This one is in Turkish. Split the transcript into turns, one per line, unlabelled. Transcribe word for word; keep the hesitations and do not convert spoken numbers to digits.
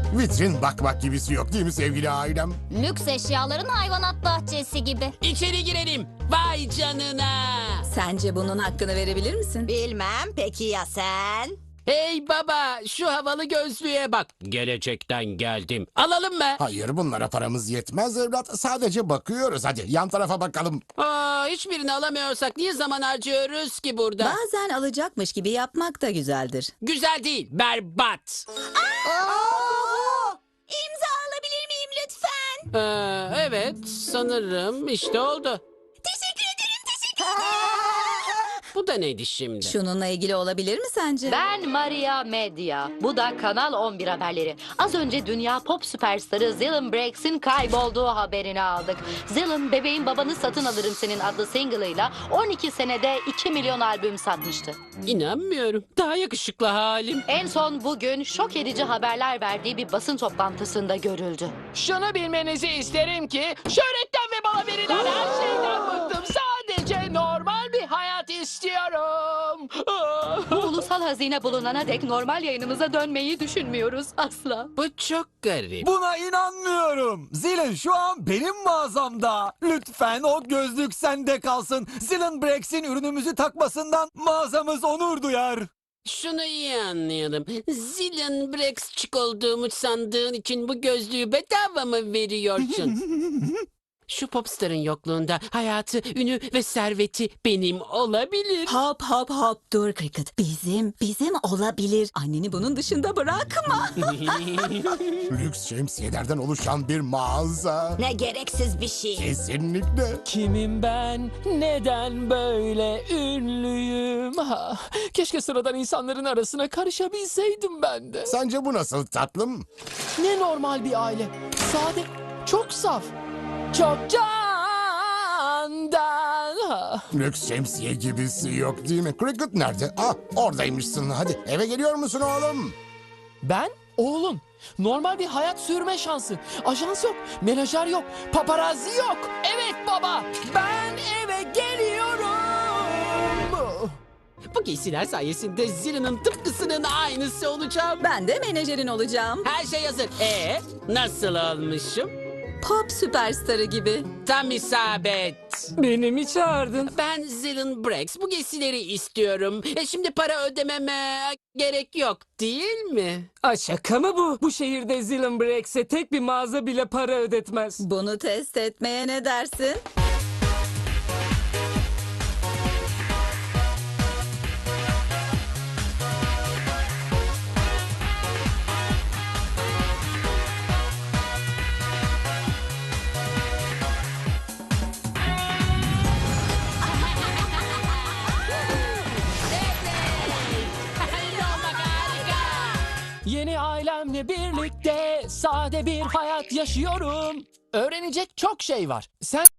Vitrin bakmak gibisi yok değil mi sevgili ailem?
Lüks eşyaların hayvanat bahçesi gibi.
İçeri girelim. Vay canına.
Sence bunun hakkını verebilir misin?
Bilmem, peki ya sen?
Hey baba, şu havalı gözlüğe bak. Gelecekten geldim. Alalım mı?
Hayır, bunlara paramız yetmez evlat. Sadece bakıyoruz. Hadi yan tarafa bakalım.
Aa, hiçbirini alamıyorsak niye zaman harcıyoruz ki burada?
Bazen alacakmış gibi yapmak da güzeldir.
Güzel değil, berbat.
İmza alabilir miyim lütfen?
Ee, evet, sanırım işte oldu.
Teşekkür ederim, teşekkür ederim.
Bu da neydi şimdi?
Şununla ilgili olabilir mi sence?
Ben Maria Medya. Bu da Kanal on bir haberleri. Az önce dünya pop süperstarı Zillin Brakes'in kaybolduğu haberini aldık. Zillin, Bebeğin Babanı Satın Alırım Senin adlı single'ıyla on iki senede iki milyon albüm satmıştı.
İnanmıyorum. Daha yakışıklı halim.
En son bugün şok edici haberler verdiği bir basın toplantısında görüldü.
Şunu bilmenizi isterim ki şöhretten ve bana verilen her şeyden bıktım. Sadece normal bir hayat istiyorum.
Bu ulusal hazine bulunana dek normal yayınımıza dönmeyi düşünmüyoruz asla.
Bu çok garip.
Buna inanmıyorum. Zilin şu an benim mağazamda. Lütfen o gözlük sende kalsın. Zilin Brakes'in ürünümüzü takmasından mağazamız onur duyar.
Şunu iyi anlayalım. Zillion Brexçik olduğumu sandığın için bu gözlüğü bedava mı veriyorsun? Şu popstarın yokluğunda hayatı, ünü ve serveti benim olabilir.
Hop hop hop dur Cricket. Bizim, bizim olabilir. Anneni bunun dışında bırakma.
Lüks şemsiyelerden oluşan bir mağaza.
Ne gereksiz bir şey.
Kesinlikle.
Kimim ben? Neden böyle ünlüyüm? Ha, keşke sıradan insanların arasına karışabilseydim ben de.
Sence bu nasıl tatlım?
Ne normal bir aile. Sade, çok saf. Çok candan. Ha.
Lüks şemsiye gibisi yok değil mi? Cricket nerede? Ah, oradaymışsın. Hadi eve geliyor musun oğlum?
Ben oğlum. Normal bir hayat sürme şansı. Ajans yok, menajer yok, paparazzi yok. Evet baba, ben eve geliyorum.
Bu giysiler sayesinde Zillion'ın tıpkısının aynısı olacağım.
Ben de menajerin olacağım.
Her şey hazır. Ee, nasıl olmuşum?
Pop süperstarı gibi.
Tam isabet.
Beni mi çağırdın?
Ben Zillin Brex. Bu giysileri istiyorum. E şimdi para ödememe gerek yok değil mi?
Aa, şaka mı bu? Bu şehirde Zillin Brakes'e tek bir mağaza bile para ödetmez.
Bunu test etmeye ne dersin?
Yeni ailemle birlikte sade bir hayat yaşıyorum. Öğrenecek çok şey var. Sen